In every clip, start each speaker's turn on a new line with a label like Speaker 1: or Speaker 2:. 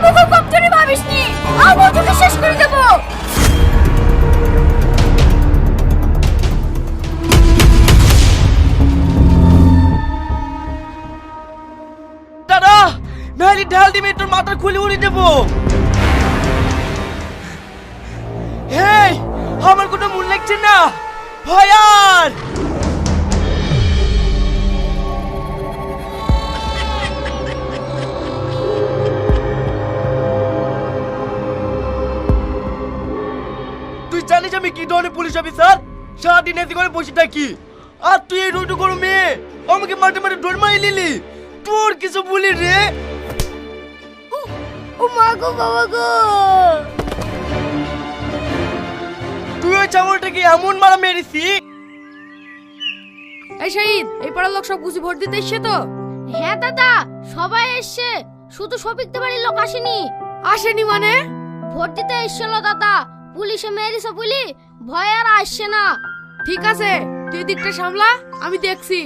Speaker 1: আমাকে কমজোরি ভাবিসনি, আমি তোকে শেষ করে দেব।
Speaker 2: দাদা নাহলে ঢাল দিবে তোর মাথা খুলে উড়ে দেবো। হেই আমার কোনো মন লাগছে না ভয়ার। তুই জানিস আমি কি ধরনের পুলিশ অফিসার? সারাদিন এসে করে বসে থাকি, আর তুই এই রোডু করো মেয়ে আমাকে মাঠে মাঠে ডোর মারি নিলি। তোর কিছু বলি রে?
Speaker 1: ও মা গো, বাবা গো,
Speaker 2: তুই ওই চামড়টাকে এমন মারা মেরেছি।
Speaker 3: এই শাহিদ, এই পাড়ার লোক সব বুঝি ভোট দিতে এসছে তো?
Speaker 1: হ্যাঁ দাদা, সবাই এসছে, শুধু শফিকদের বাড়ির লোক আসেনি।
Speaker 3: আসেনি মানে?
Speaker 1: ভোট দিতে এসছিল দাদা, পুলিশে মেরেছে বলি ভয় আর আসছে না।
Speaker 3: ঠিক আছে, তুই দিকটা সামলা, আমি দেখছি।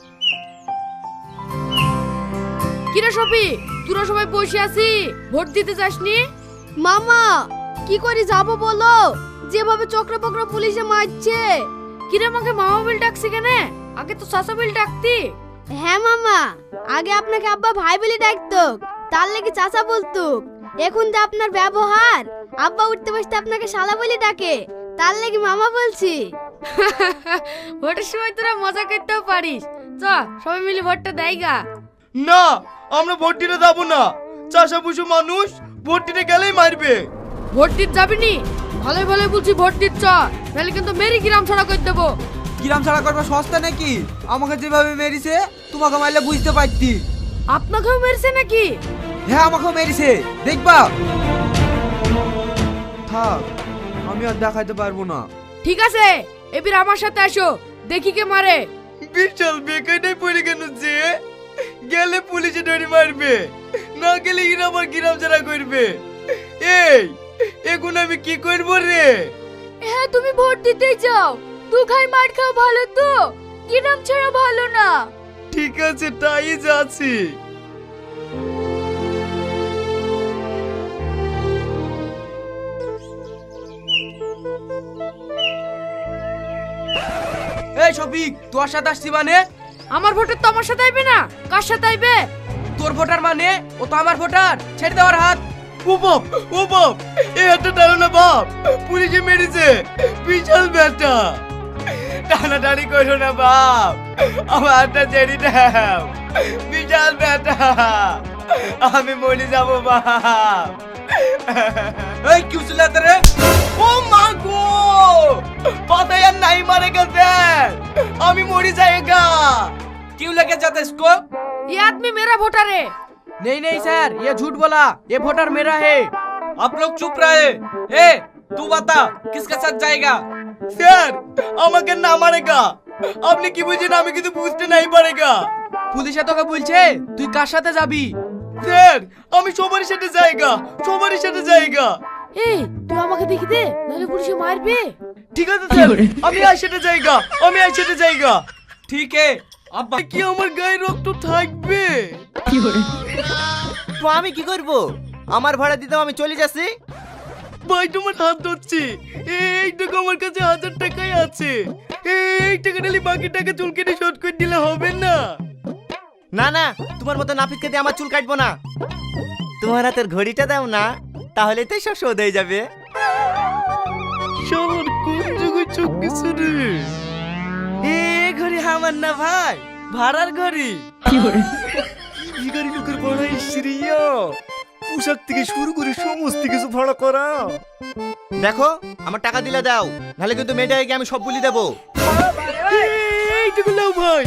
Speaker 3: কিরে শফি, তোরা সবাই বসে আছি, ভোট দিতে যাসনি?
Speaker 1: মামা কি করে যাব বলো, যেভাবে চক্র বক্র পুলিশে মারছে।
Speaker 3: কিরে আমাকে মামা বিল ডাকছি কেন? আগে তো চাচা বিল ডাকতি।
Speaker 1: হ্যাঁ মামা, আগে আপনাকে আব্বা ভাই বলে ডাকতো, তার লেগে চাচা বলতো। এখন যে আপনার ব্যবহার, আব্বা উঠতে বসতে আপনাকে শালা বলে ডাকে, তার লেগে মামা বলছি।
Speaker 3: ভোটের সময় তোরা মজা করতেও পারিস। চ সবাই মিলে ভোটটা দেয় গা।
Speaker 2: না আমরা ভোট দিতে যাবো না, চাষা পুষু মানুষ ভোট দিতে গেলেই মারবে।
Speaker 3: ভোট দিতে যাবি নি? ভালোই ভালোই বলছি ভোট দিতে চ, নাহলে কিন্তু মেরি গ্রাম ছাড়া করে দেবো।
Speaker 4: কিরাম ছাড়া করবা সস্তা নাকি? আমাকে যেভাবে মেরেছে তোমাকে মারলে বুঝতে পারতি।
Speaker 3: আপনাকেও মেরেছে নাকি?
Speaker 4: হ্যাঁ আমাকেও মেরেছে, দেখবা। থাক, আমি আর দেখাইতে পারবো না।
Speaker 3: ঠিক আছে, এবার আমার সাথে আসো, দেখি কে মারে।
Speaker 2: বিশাল বেকায়দায় পড়ে কেন যে? গেলে পুলিশে ধরে মারবে, না গেলে এরা আমার গ্রাম ছাড়া করবে। এই এখন আমি কি করব রে?
Speaker 1: হ্যাঁ তুমি ভোট দিতে যাও, দু খাই মার খাও, ভালো তো, গ্রাম ছাড়া ভালো না।
Speaker 2: ঠিক আছে তাই যাচ্ছি।
Speaker 4: এই শফিক, তোর সাথে আসছি মানে?
Speaker 3: আমার ভোটার তো আমার সাথে আইবে না, কার সাথে আইবে?
Speaker 4: তোর ভোটার মানে? ও তো আমার ভোটার, ছেড়ে দেওয়ার হাত।
Speaker 2: ও বাপ, ও বাপ, এই হাতটা টানো না বাপ, পুলিশে মেরেছে, বিশাল ব্যাটা। টানাটানি করো না বাপ, আমার হাতটা ছেড়ে দাও, বিশাল ব্যাটা, আমি মরে যাবো বাপ।
Speaker 4: এই কি উচলাতে রে?
Speaker 2: ও মা গো, পাতায় আর নাই মারে গেছে, আমি মরে যাইগা।
Speaker 4: क्यों लेके जाते इसको?
Speaker 3: ये आदमी मेरा वोटर है।
Speaker 4: नहीं नहीं सर, ये झूठ बोला, ये वोटर मेरा है। आप लोग चुप रहे। ए, तू बता किसके साथ जाएगा?
Speaker 2: স্যার আমাকে না মারেগা, আপনি কি বুঝেন আমি কিছু বুঝতে নাই পারেগা।
Speaker 4: পুলিশে তোকে বলছে তুই কার সাথে যাবি?
Speaker 2: স্যার আমি সবার সাথে যাইগা, সবার সাথে যাইগা।
Speaker 3: এই তুই আমাকে দেখি দে, নাহলে পুলিশে মারবে।
Speaker 2: ঠিক আছে স্যার, আমি আর সাথে যাইগা, আমি আর সাথে যাইগা।
Speaker 4: ठीक है, अब
Speaker 2: কি আমার গায়ে রক্ত থাকবে?
Speaker 5: তো আমি কি করব? আমার ভাড়া দিতে আমি চলে যাচ্ছি।
Speaker 2: ভাই তোমার হাত ধরছি, এইটুকু আমার কাছে 1000 টাকাই আছে, এই টাকা নিলে বাকি টাকা চুল কেটে শোধ করে দিলে হবে না?
Speaker 5: না না, তোমার মতো নাপিতকে দিয়ে আমার চুল কাটবো না। তোমার হাতের ঘড়িটা দাও না, তাহলে তো সব শোধ হয়ে যাবে।
Speaker 2: শালার কোন যুগে চোখ গেছে রে? এই ঘড়ি আমার না ভাই, ভাড়ার ঘড়ি। এই গাড়ি লোকের ভাড়া ইসরিয়া, পোশাক থেকে শুরু করে সমস্ত কিছু ভাড়া করা।
Speaker 5: দেখো আমার টাকা দিলে দাও, নাহলে কিন্তু মেয়েটাকে আমি সব বলি দেবো।
Speaker 2: এইটুকু নাও ভাই।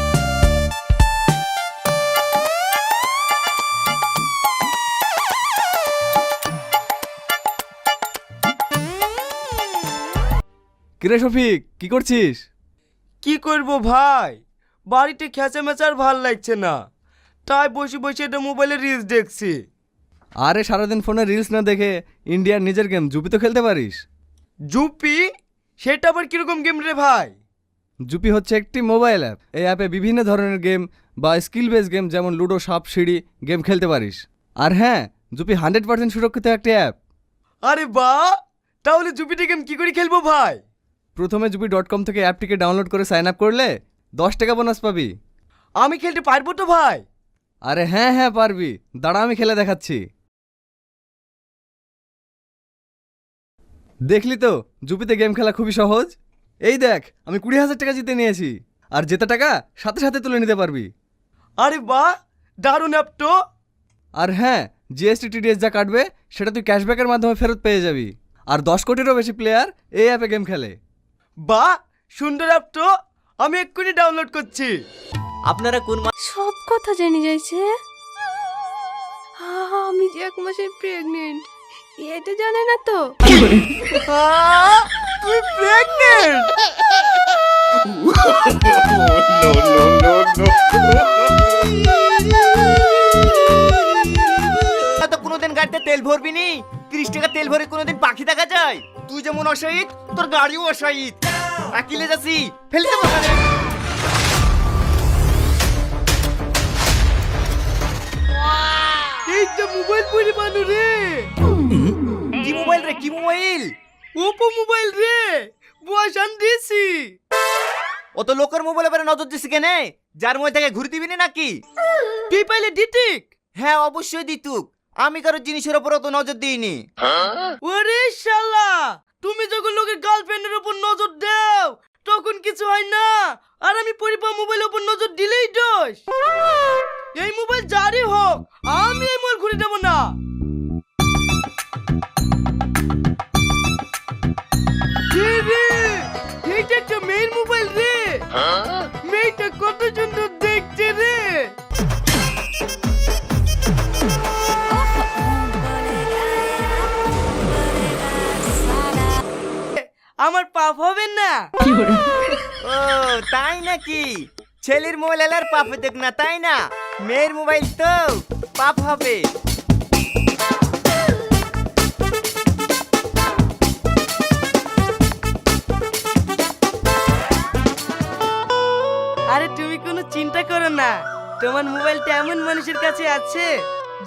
Speaker 4: কিরে শফিক, কি করছিস?
Speaker 2: কি করব ভাই, বাড়িতে খেঁচা মেচার ভাল লাগছে না, তাই বসে বসে এটা মোবাইলে রিলস দেখছি।
Speaker 4: আরে সারাদিন ফোনে রিলস না দেখে ইন্ডিয়ার নিজের গেম জুপি তো খেলতে পারিস।
Speaker 2: জুপি? সেটা আবার কিরকম গেম রে ভাই?
Speaker 4: জুপি হচ্ছে একটি মোবাইল অ্যাপ। এই অ্যাপে বিভিন্ন ধরনের গেম বা স্কিল বেস গেম যেমন লুডো, সাপ সিঁড়ি গেম খেলতে পারিস। আর হ্যাঁ, জুপি 100% সুরক্ষিত একটা অ্যাপ।
Speaker 2: আরে বাহ, তাহলে জুপিটা গেম কি করে খেলবো ভাই?
Speaker 4: প্রথমে জুপি.com থেকে অ্যাপটিকে ডাউনলোড করে সাইন আপ করলে 10 টাকা বোনাস পাবি।
Speaker 2: আমি খেলতে পারবো তো ভাই?
Speaker 4: আরে হ্যাঁ হ্যাঁ পারবি, দাঁড়া আমি খেলে দেখাচ্ছি। দেখলি তো জুপিতে গেম খেলা খুবই সহজ। এই দেখ আমি 20,000 টাকা জিতে নিয়েছি, আর জেতা টাকা সাথে সাথে তুলে নিতে পারবি।
Speaker 2: আরে বাহ, দারুণ অ্যাপ তো।
Speaker 4: আর হ্যাঁ, জিএসটি টিডিএস যা কাটবে সেটা তুই ক্যাশব্যাকের মাধ্যমে ফেরত পেয়ে যাবি। আর 10 কোটিরও বেশি প্লেয়ার এই অ্যাপে গেম খেলে।
Speaker 2: বাহ, সুন্দর অ্যাপ তো, আমি এক্ষুনি ডাউনলোড করছি।
Speaker 5: আপনারা কোন
Speaker 1: সব কথা জেনে যাইছে। আমি যে 1 মাসের প্রেগনেন্ট, এটা জানে না তো।
Speaker 2: তুই প্রেগনেন্ট?
Speaker 5: তো কোনোদিন গাড়িতে তেল ভরবি নি? 30 টাকা তেল ভরে কোনোদিন পাখি দেখা যায়? তুই যেমন অশাহিদ, তোর গাড়িও অশাহিদ। আকিলে যাচ্ছি, ফেলে দেবো ওখানে।
Speaker 2: এই তো মোবাইল পরে বানু রে।
Speaker 5: কি মোবাইল রে, কি মোবাইল?
Speaker 2: ওপো মোবাইল রে, বসান দিছি।
Speaker 5: অত লোকের মোবাইলে পরে নজর দিছি কেনে? যার মোবাইল থেকে ঘুরে দিবি না নাকি?
Speaker 2: তুই পাইলে দিতিক?
Speaker 5: হ্যাঁ অবশ্যই দিতুক, আমি কারো জিনিসের উপর অত নজর দিইনি।
Speaker 2: ওরে শালা, তুমি যখন লোকের গার্লফ্রেন্ডের উপর নজর দাও তখন কিছু হয় না, আর আমি পরিবার মোবাইলের উপর নজর দিলেই দোষ। এই মোবাইল যারই হোক, আমি এই মোবাইল ঘুরে দেবো না। এ রে, এইটা একটা মেয়ের মোবাইল রে। মেয়েটা কত সুন্দর দেখতে রে। আমার পাপ হবে না?
Speaker 5: ও তাই নাকি? ছেলের মোবাইল এলার পাপ দেখ না, তাই না? মেয়ের মোবাইল তো পাপ হবে।
Speaker 2: আরে তুমি কোনো চিন্তা করো না, তোমার মোবাইলটা এমন মানুষের কাছে আছে